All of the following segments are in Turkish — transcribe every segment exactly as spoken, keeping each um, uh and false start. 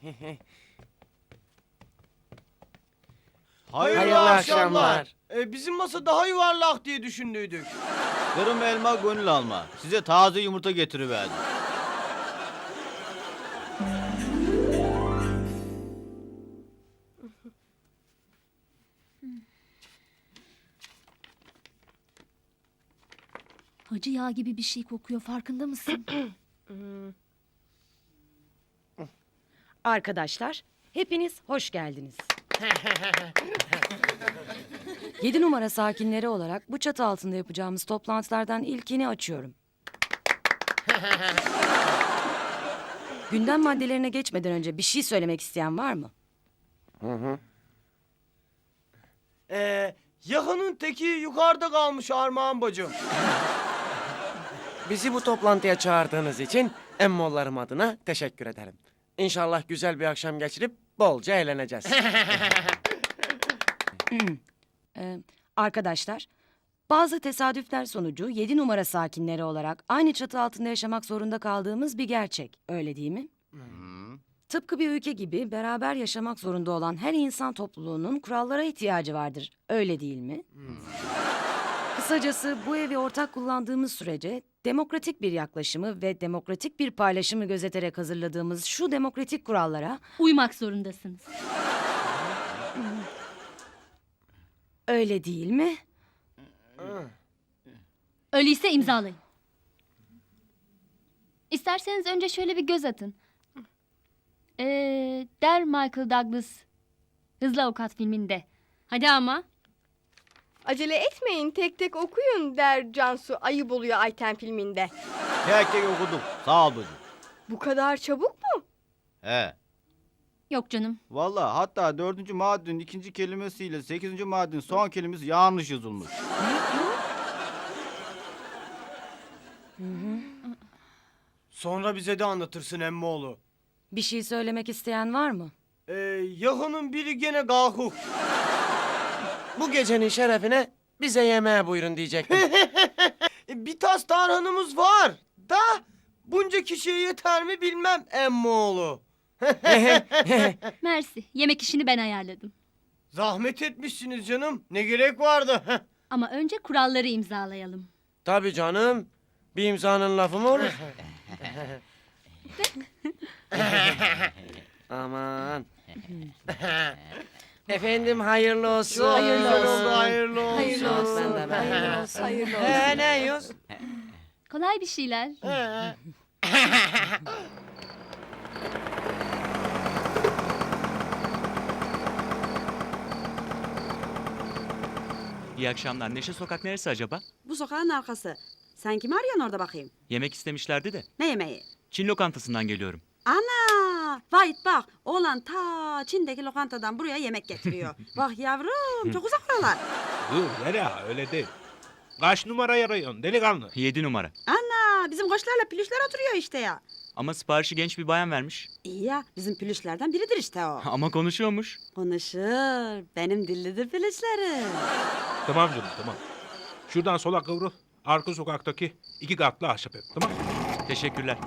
Hayırlı, Hayırlı akşamlar. akşamlar. Ee, bizim masa daha yuvarlak diye düşündüydük. Kırım elma gönül alma. Size taze yumurta getiriverdim. Hacı yağ gibi bir şey kokuyor, farkında mısın? Arkadaşlar, hepiniz hoş geldiniz. Yedi numara sakinleri olarak bu çatı altında yapacağımız toplantılardan ilkini açıyorum. Gündem maddelerine geçmeden önce bir şey söylemek isteyen var mı? Ee, yakının teki yukarıda kalmış Armağan bacım. Bizi bu toplantıya çağırdığınız için emmoğullarım adına teşekkür ederim. İnşallah güzel bir akşam geçirip bolca eğleneceğiz. Ee, arkadaşlar, bazı tesadüfler sonucu yedi numara sakinleri olarak aynı çatı altında yaşamak zorunda kaldığımız bir gerçek. Öyle değil mi? Tıpkı bir ülke gibi beraber yaşamak zorunda olan her insan topluluğunun kurallara ihtiyacı vardır. Öyle değil mi? Kısacası bu evi ortak kullandığımız sürece demokratik bir yaklaşımı ve demokratik bir paylaşımı gözeterek hazırladığımız şu demokratik kurallara Uymak zorundasınız. öyle değil mi? Öyleyse imzalayın. İsterseniz önce şöyle bir göz atın. Ee, der Michael Douglas Hızlı Avukat filminde. Hadi ama. Acele etmeyin, tek tek okuyun der Cansu ayıp oluyor Ayten filminde. Tek tek okudum. Sağ ol bacım. Bu kadar çabuk mu? He. Yok canım. Vallahi hatta dördüncü maddenin ikinci kelimesiyle sekizinci maddenin son kelimesi yanlış yazılmış. Sonra bize de anlatırsın emmoğlu. Bir şey söylemek isteyen var mı? Ee, yakının biri gene kalkuk. Bu gecenin şerefine bize yemeğe buyurun diyecektim. E, bir tas tarhanımız var da bunca kişiye yeter mi bilmem emmoğlu. Mersi. Yemek işini ben ayarladım. Zahmet etmişsiniz canım. Ne gerek vardı? Ama önce kuralları imzalayalım. Tabii canım. Bir imzanın lafı mı olur? Aman. Efendim hayırlı olsun. Çok güzel oldu, hayırlı olsun. Hayırlı olsun. Ben de ben. Hayırlı olsun. Hayırlı olsun. He ne yiyoruz? Kolay bir şeyler. İyi akşamlar. Neşe Sokak neresi acaba? Bu sokağın arkası. Sen kimi arıyorsun orada bakayım? Yemek istemişlerdi de. Ne yemeği? Çin lokantasından geliyorum. Ana! Vahit bak, oğlan ta Çin'deki lokantadan buraya yemek getiriyor. Bak yavrum, çok uzak oralar. Dur Zeliha öyle değil. Kaç numara arıyorsun delikanlı? Yedi numara. Ana, bizim koçlarla pülüşler oturuyor işte ya. Ama siparişi genç bir bayan vermiş. İyi ya, bizim pülüşlerden biridir işte o. Ama konuşuyormuş. Konuşur, benim dillidir pülüşlerim. Tamam canım tamam. Şuradan sola kıvrıl. Arka sokaktaki iki katlı ahşap ev tamam mı? Teşekkürler.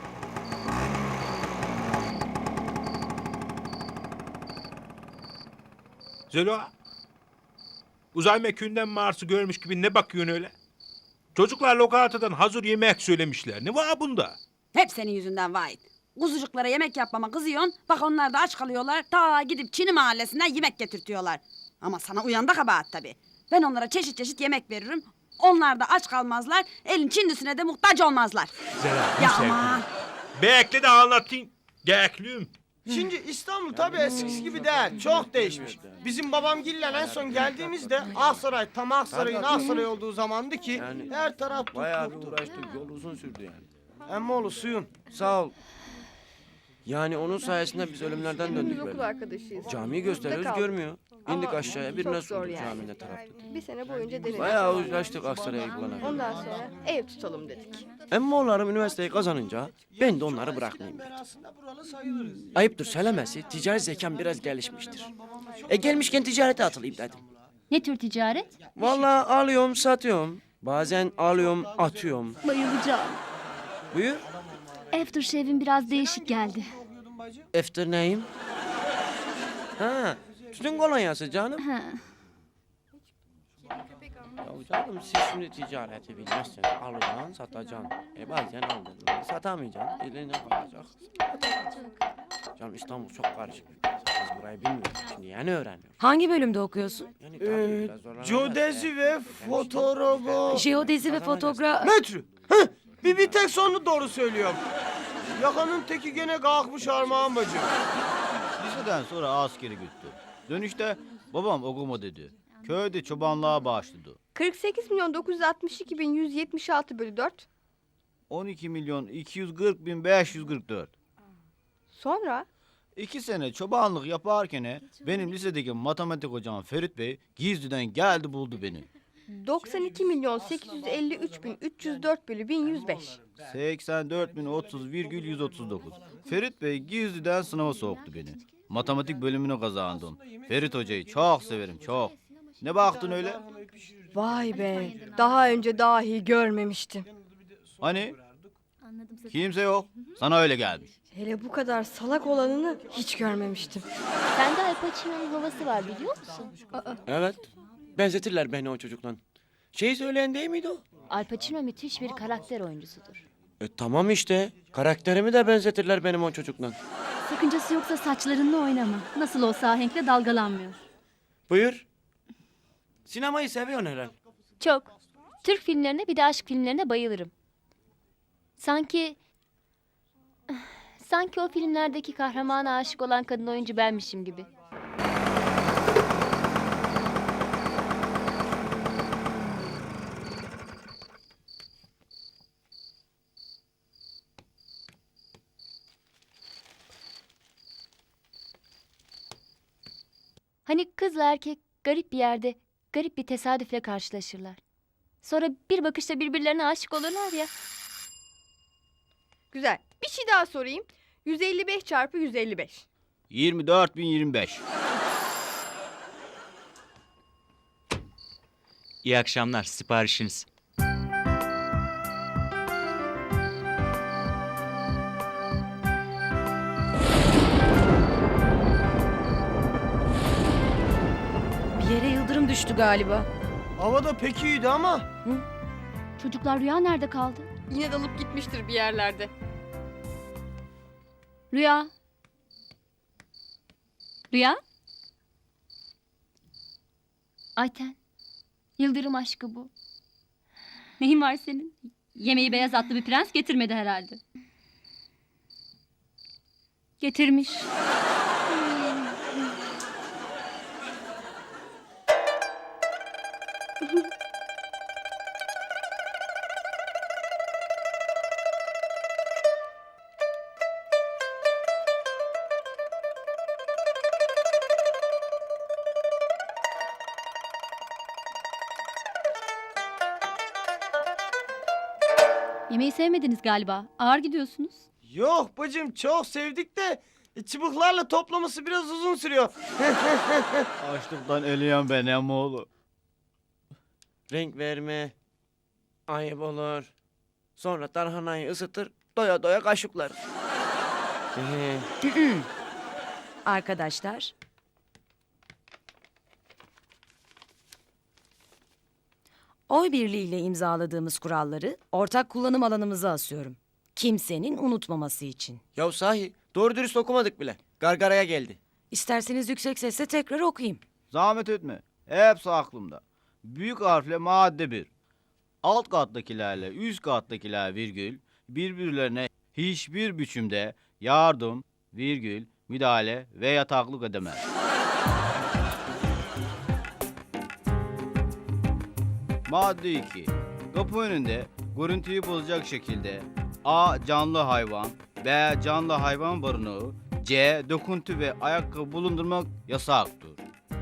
Zeliha. Uzay mekiğinden Mars'ı görmüş gibi ne bakıyorsun öyle? Çocuklar lokantadan hazır yemek söylemişler. Ne var bunda? Hep senin yüzünden Vahit. Kuzucuklara yemek yapmama kızıyorsun. Bak onlar da aç kalıyorlar. Ta gidip Çin'i mahallesinden yemek getirtiyorlar. Ama sana uyan da kabahat tabii. Ben onlara çeşit çeşit yemek veririm. Onlar da aç kalmazlar. Elin Çinlisine de muhtaç olmazlar. Zeliha Ya bir sevdim. aman. Bekle de anlatayım. Gekliyim. Şimdi İstanbul tabii eskisi gibi değil. Çok değişmiş. Bizim babamgille en son geldiğimizde Aksaray, tam Aksaray'ın Aksaray olduğu zamandı ki Yani her taraf Bayağı bir tuttu. uğraştık. Yol uzun sürdü yani. Emmoğlu suyun. Sağ ol. Yani onun sayesinde biz ölümlerden döndük Biz okul böyle. arkadaşıyız. Camiyi gösteriyoruz Burada kaldık. görmüyor. İndik Ama aşağıya çok birine zor sorduk yani. caminin tarafta. Bir sene boyunca denedik. Bayağı uğraştık Aksaray'a gidene. Ondan sonra ev tutalım dedik. Emmoğullarım üniversiteyi kazanınca ben de onları bırakmayayım dedim. Aslında buralı sayılırız. Ayıptır söylemesi ticari zekam biraz gelişmiştir. E gelmişken ticarete atılayım dedim. Ne tür ticaret? Vallahi alıyorum satıyorum. Bazen alıyorum atıyorum. Bayılacağım. Buyur. Aftershave'in biraz değişik geldi. bacım? Efter neyim? Ha, tütün kolonyası canım. Ha. Ya canım siz şimdi ticareti bilmezseniz alacaksın, satacaksın. E bazen aldın, satamayacaksın, eline kalacak. Canım İstanbul çok karışık bir piyasa. Biz burayı bilmiyoruz. Şimdi yeni öğreniyoruz. Hangi bölümde okuyorsun? Yani tabii Ee, biraz zorlanacağız. Geodezi ve fotoğrafı. Jeodezi ve fotoğraf... Metre. Heh, bir, bir tek sonunu doğru söylüyorum. Yakanın teki gene kalkmış Armağan bacım. Liseden sonra askeri gitti. Dönüşte babam okuma dedi. Köyde çobanlığa başladı. kırk sekiz milyon dokuz yüz altmış iki bin yüz yetmiş altı bölü dört. on iki milyon iki yüz kırk bin beş yüz kırk dört. Sonra İki sene çobanlık yaparken benim lisedeki matematik hocam Ferit Bey gizliden geldi buldu beni. doksan iki milyon sekiz yüz elli üç bin üç yüz dört bölü bin yüz beş. seksen dört bin otuz virgül yüz otuz dokuz. Ferit Bey gizliden sınava soktu beni. Matematik bölümünü kazandım. Ferit hocayı çok severim çok. Ne baktın öyle? Vay be. Daha önce dahi görmemiştim. Hani? Kimse yok. Sana öyle gelmiş. Hele bu kadar salak olanını hiç görmemiştim. Sende Al Pacino'nun havası var biliyor musun? Evet. Benzetirler beni o çocukla. Şey söyleyen değil miydi o? Al Pacino müthiş bir karakter oyuncusudur. E tamam işte. Karakterimi de benzetirler benim o çocukla. Sakıncası yoksa saçlarınla oynama. Nasıl olsa ahenkle dalgalanmıyor. Buyur. Sinemayı seviyorsun herhalde. Çok. Türk filmlerine bir de aşk filmlerine bayılırım. Sanki... Sanki o filmlerdeki kahramana aşık olan kadın oyuncu benmişim gibi. Hani kızla erkek garip bir yerde, garip bir tesadüfle karşılaşırlar. Sonra bir bakışta birbirlerine aşık olurlar ya. Güzel. Bir şey daha sorayım. yüz elli beş çarpı yüz elli beş. yirmi dört bin yirmi beş. İyi akşamlar. Siparişiniz. Bir yere yıldırım düştü galiba. Havada pek iyiydi ama. Çocuklar Rüya nerede kaldı? Yine dalıp gitmiştir bir yerlerde. Rüya. Rüya? Ayten. Yıldırım aşkı bu. Neyin var senin? Yemeği beyaz atlı bir prens getirmedi herhalde. Getirmiş. Yemeği sevmediniz galiba. Ağır gidiyorsunuz. Yok bacım çok sevdik de e, çubuklarla toplaması biraz uzun sürüyor. Açlıktan eleyen ben emoğlu. Renk verme. Ayıp olur. Sonra tarhanayı ısıtır. Doya doya kaşıklar. Ee, Arkadaşlar. Oy birliğiyle imzaladığımız kuralları ortak kullanım alanımıza asıyorum. Kimsenin unutmaması için. ya sahi doğru dürüst okumadık bile. Gargaraya geldi. İsterseniz yüksek sesle tekrar okuyayım. Zahmet etme. Hepsi aklımda. Büyük harfle madde bir. Alt kattakilerle üst kattakiler virgül birbirlerine hiçbir biçimde yardım, virgül, müdahale ve yataklık edemez. Madde iki. Kapı önünde görüntüyü bozacak şekilde A. Canlı hayvan, B. Canlı hayvan barınağı, C. Döküntü ve ayakkabı bulundurmak yasaktır.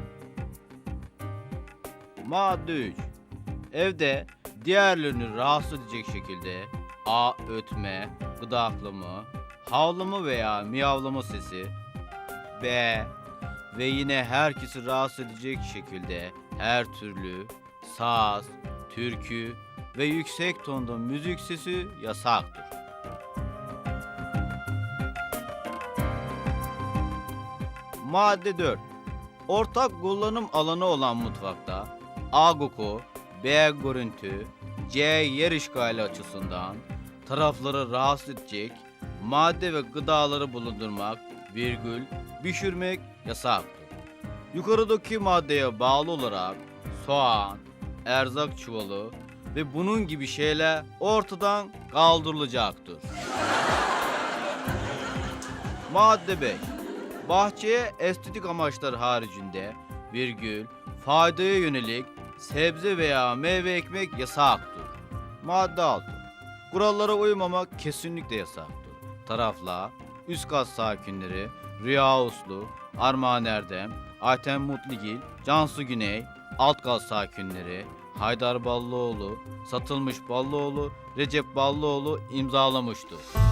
Madde üç. Evde diğerlerini rahatsız edecek şekilde A. Ötme, gıdaklama, havlama veya miyavlama sesi, B. Ve yine herkesi rahatsız edecek şekilde her türlü saz, türkü ve yüksek tonda müzik sesi yasaktır. Madde dört. Ortak kullanım alanı olan mutfakta A koku, B görüntü, C yer işgali açısından tarafları rahatsız edecek madde ve gıdaları bulundurmak, virgül, pişirmek yasaktır. Yukarıdaki maddeye bağlı olarak soğan, erzak çuvalı ve bunun gibi şeyler ortadan kaldırılacaktır. Madde beş. Bahçeye estetik amaçlar haricinde virgül, faydaya yönelik sebze veya meyve ekmek yasaktır. Madde altı. Kurallara uymamak kesinlikle yasaktır. Taraflar, üst kat sakinleri, Rüya Uslu, Armağan Erdem, Ayten Mutligil, Cansu Güney, alt kat sakinleri, Haydar Ballıoğlu, Satılmış Ballıoğlu, Recep Ballıoğlu imzalamıştır.